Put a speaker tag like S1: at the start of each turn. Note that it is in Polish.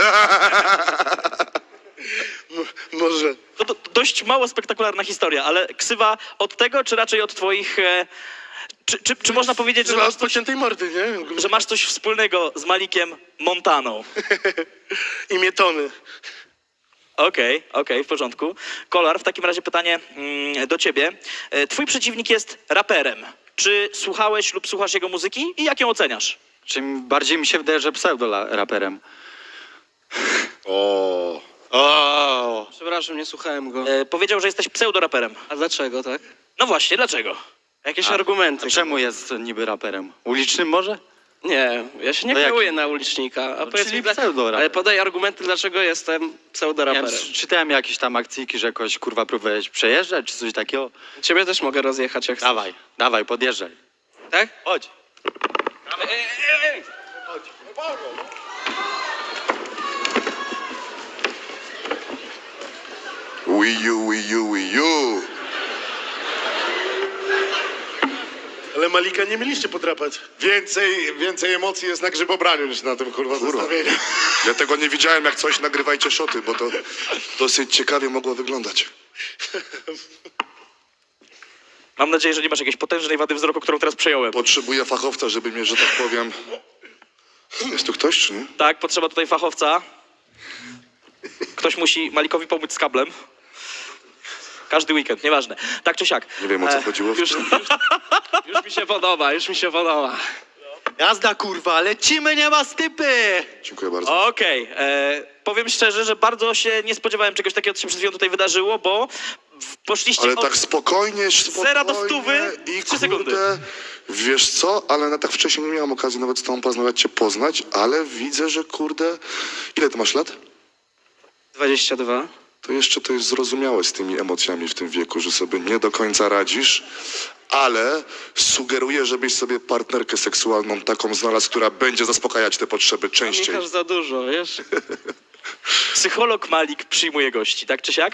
S1: Może.
S2: To dość mało spektakularna historia, ale ksywa od tego, czy raczej od twoich... Czy można powiedzieć, że
S1: Chyba
S2: masz,
S1: od pociętej mordy, nie?
S2: że masz coś wspólnego z Malikiem Montaną?
S1: Imię Tony.
S2: Okej, w porządku. Kolar, w takim razie pytanie do ciebie. Twój przeciwnik jest raperem. Czy słuchałeś lub słuchasz jego muzyki i jak ją oceniasz?
S3: Czym bardziej mi się wydaje, że pseudo-raperem.
S1: O.
S4: Przepraszam, nie słuchałem go.
S2: Powiedział, że jesteś pseudoraperem.
S4: A dlaczego, tak?
S2: No właśnie, dlaczego?
S4: Jakieś
S3: A
S4: argumenty.
S3: czemu jest niby raperem? Ulicznym może?
S4: Nie, ja się nie
S3: To
S4: kieruję
S3: jaki?
S4: na ulicznika. A
S3: No,
S4: powiedz
S3: czyli
S4: mi,
S3: pseudoraper.
S4: ale podaj argumenty, dlaczego jestem
S3: Nie wiem,
S4: pseudoraperem.
S3: czytałem jakieś tam akcyjki, że jakoś kurwa próbowałeś przejeżdżać czy coś takiego.
S4: Ciebie też mogę rozjechać, jak chcesz.
S3: Dawaj, podjeżdżaj.
S4: Tak?
S3: Chodź.
S5: Wii U.
S1: Ale Malika nie mieliście podrapać.
S6: Więcej emocji jest na grzybobraniu niż na tym kurwa zestawieniu.
S5: Ja tego nie widziałem, jak coś nagrywajcie szoty, bo to dosyć ciekawie mogło wyglądać.
S2: Mam nadzieję, że nie masz jakiejś potężnej wady wzroku, którą teraz przejąłem.
S5: Potrzebuję fachowca, żeby mnie, że tak powiem... Jest tu ktoś, czy nie?
S2: Tak, potrzeba tutaj fachowca. Ktoś musi Malikowi pomóc z kablem. Każdy weekend, nieważne. Tak czy siak.
S5: Nie wiem, o co chodziło.
S4: Już mi się podoba, już mi się podoba.
S3: Jazda kurwa, lecimy, nie ma stypy!
S5: Dziękuję bardzo.
S2: Okej, powiem szczerze, że bardzo się nie spodziewałem czegoś takiego, co się przed chwilą tutaj wydarzyło, bo poszliście
S5: Ale
S2: od...
S5: tak spokojnie,
S2: zera do 100
S5: i
S2: 3 sekundy.
S5: kurde, wiesz co, ale na tak wcześniej nie miałem okazji nawet z tobą porozmawiać, cię poznać, ale widzę, że kurde... Ile ty masz lat?
S4: 22.
S5: To jeszcze to jest zrozumiałe z tymi emocjami w tym wieku, że sobie nie do końca radzisz, ale sugeruję, żebyś sobie partnerkę seksualną taką znalazł, która będzie zaspokajać te potrzeby częściej.
S4: Michasz za dużo, wiesz?
S2: Psycholog Malik przyjmuje gości, tak czy siak?